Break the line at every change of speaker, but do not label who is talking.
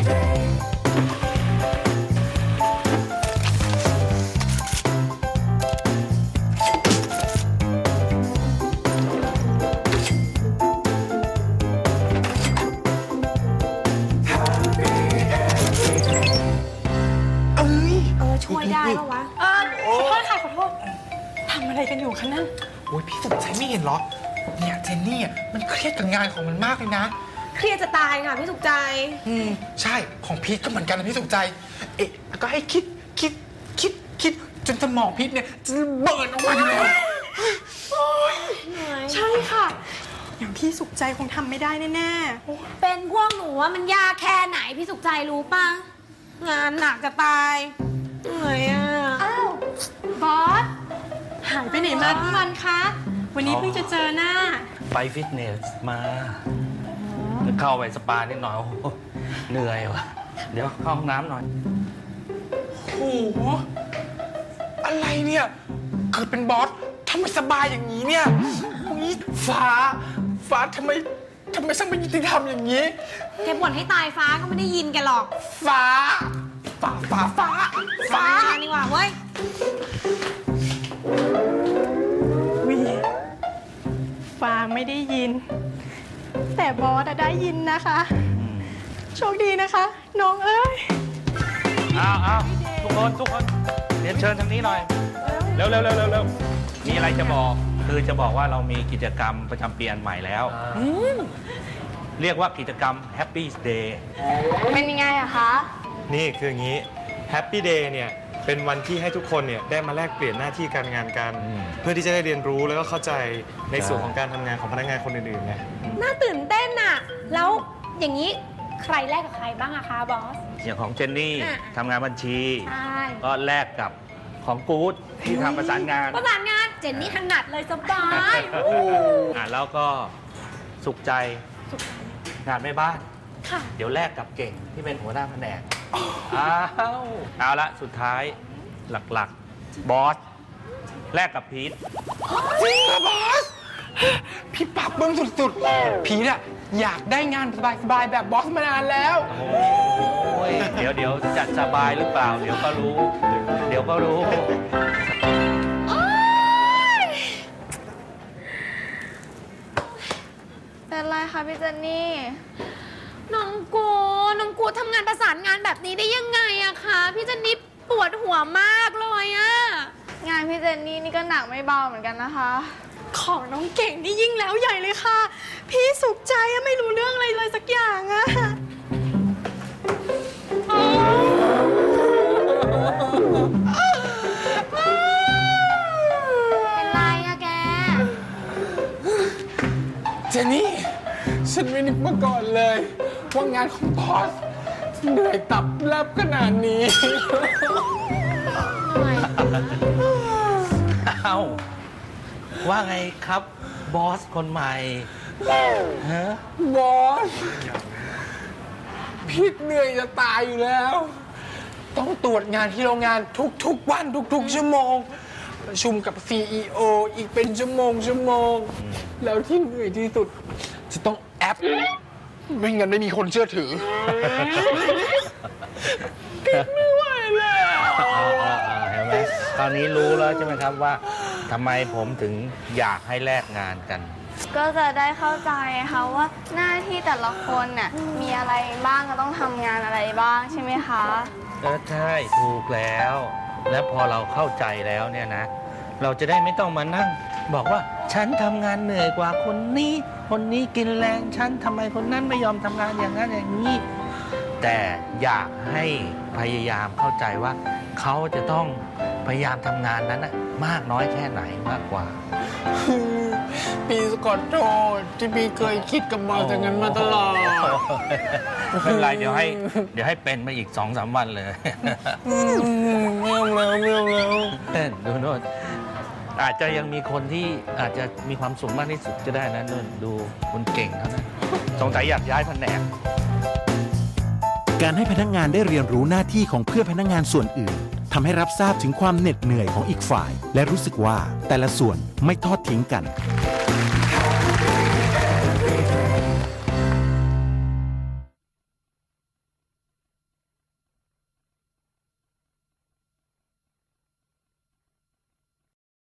ช่วยได้ปะวะขอโทษค่ะขอโทษทำอะไรกันอยู่คะนั่น
โอ้ยพี่สมใจไม่เห็นเหรอเนี่ยเจนนี่มันเครียดกับงานของมันมากเลยนะ
เครียดจะตายค่ะพี่สุขใจ
ใช่ของพีทก็เหมือนกันนะพี่สุขใจก็ให้คิดจนสมองพีทเนี่ยจะเบิร์นออกมาอยู่แล้ว
ใช่ค่ะอย่างพี่สุขใจคงทำไม่ได้แน่
ๆเป็นพวกหนูว่ามันยากแค่ไหนพี่สุขใจรู้ป่ะงานหนักจะตายเหนื่อยอ่ะ
อ้าวบอสหายไปไหนมาทั้งวันคะวันนี้เพิ่งจะเจอหน้า
ไปฟิตเนสมาเข้าไปสปานิดหน่อยเหนื่อยว่ะเดี๋ยวเข้าห้องน้ำหน่อย
โอ้โหอะไรเนี่ยเกิดเป็นบอสทำไมสบายอย่างนี้เนี่ยนี่ฟ้าทำไมช่างไม่ยุติธรรมอย่างนี้
แกบ่นให้ตายฟ้าก็ไม่ได้ยินแกหรอก
ฟ้า
นี่ว่าเว้ย
ฟ้าไม่ได้ยินแต่บอสได้ยินนะคะโชคดีนะคะน้องเอ้ย
เอาทุกคนเรียนเชิญทางนี้หน่อยเร็วมีอะไรจะบอกคือจะบอกว่าเรามีกิจกรรมประจำปีอันใหม่แล้วเรียกว่ากิจกรรม Happy Day
เป็นยังไงอะคะ
นี่คืออย่างนี้ Happy Day เนี่ยเป็นวันที่ให้ทุกคนเนี่ยได้มาแลกเปลี่ยนหน้าที่การงานกันเพื่อที่จะได้เรียนรู้แล้วก็เข้าใจในส่วนของการทำงานของพนักงานคนอื่นๆไง
น่าตื่นเต้นอะแล้วอย่างนี้ใครแลกกับใครบ้างอะคะบอส
อย่างของเจนนี่ทำงานบัญชีก็แลกกับของกู๊ดที่ทำประสานงาน
เจนนี่ถนัดเลยสบาย
แล้วก็สุขใจงานแม่บ้านเดี๋ยวแลกกับเก่งที่เป็นหัวหน้าแผนกเอาละสุดท้ายหลักๆบอสแลกกับพีท
จริงเหรอบอสพี่ปรับเบิ้งสุดๆพีทอะอยากได้งานสบายๆแบบบอสมานานแล้ว
เดี๋ยวจัดสบายหรือเปล่าเดี๋ยวก็รู้
เป็นไรคะพี่เจนนี่
น้องกูทำงานประสานงานแบบนี้ได้ยังไงอะคะพี่เจนนี่ปวดหัวมากเลยอะ
งานพี่เจนนี่นี่ก็หนักไม่เบาเหมือนกันนะคะของน้องเก่งนี่ยิ่งแล้วใหญ่เลยค่ะพี่สุขใจไม่รู้เรื่องอะไรเลยสักอย่างอะ
เป็นไรอะแก
เจนนี่ฉันไม่นึกมาก่อนเลยว่างานของบอสเหนื่อยตับแลบขนาดนี้
ว่าไงครับบอสคนใหม่
บอสพี่เหนื่อยจะตายอยู่แล้วต้องตรวจงานที่โรงงานทุกวันทุกชั่วโมงประชุมกับ CEO อีกเป็นชั่วโมงแล้วที่เหนื่อยที่สุดจะต้องแอปไม่งั้นไม่มีคนเชื่อถือพี่ไม่ไหวแล้ว
เห็นไหมตอนนี้รู้แล้วใช่ไหมครับว่าทำไมผมถึงอยากให้แลกงานกัน
ก็จะได้เข้าใจค่ะว่าหน้าที่แต่ละคนน่ะมีอะไรบ้างก็ต้องทำงานอะไรบ้างใช่ไหมคะ
ใช่ถูกแล้วและพอเราเข้าใจแล้วเนี่ยนะเราจะได้ไม่ต้องมานั่งบอกว่าฉันทำงานเหนื่อยกว่าคนนี้กินแรงฉันทำไมคนนั้นไม่ยอมทำงานอย่างนั้นอย่างนี้แต่อยากให้พยายามเข้าใจว่าเขาจะต้องพยายามทำงานนั้นมากน้อยแค่ไหนมากกว่า
ปีขอโทษที่พี่เคยคิดกับบอสอย่างนั้นมาตลอด
ไม่เป็นไรเดี๋ยวให้เป็นมาอีก 2-3 วันเลย
ไม่เอาแล้ว
ดูโน่นอาจจะยังมีคนที่อาจจะมีความสุขมากที่สุดก็ได้นะโน่นดูคนเก่งเท่านั้นสงสัยอยากย้ายแผนก
การให้พนักงานได้เรียนรู้หน้าที่ของเพื่อนพนักงานส่วนอื่นทำให้รับทราบถึงความเหน็ดเหนื่อยของอีกฝ่ายและรู้สึกว่าแต่ละส่วนไม่ทอดทิ้งกัน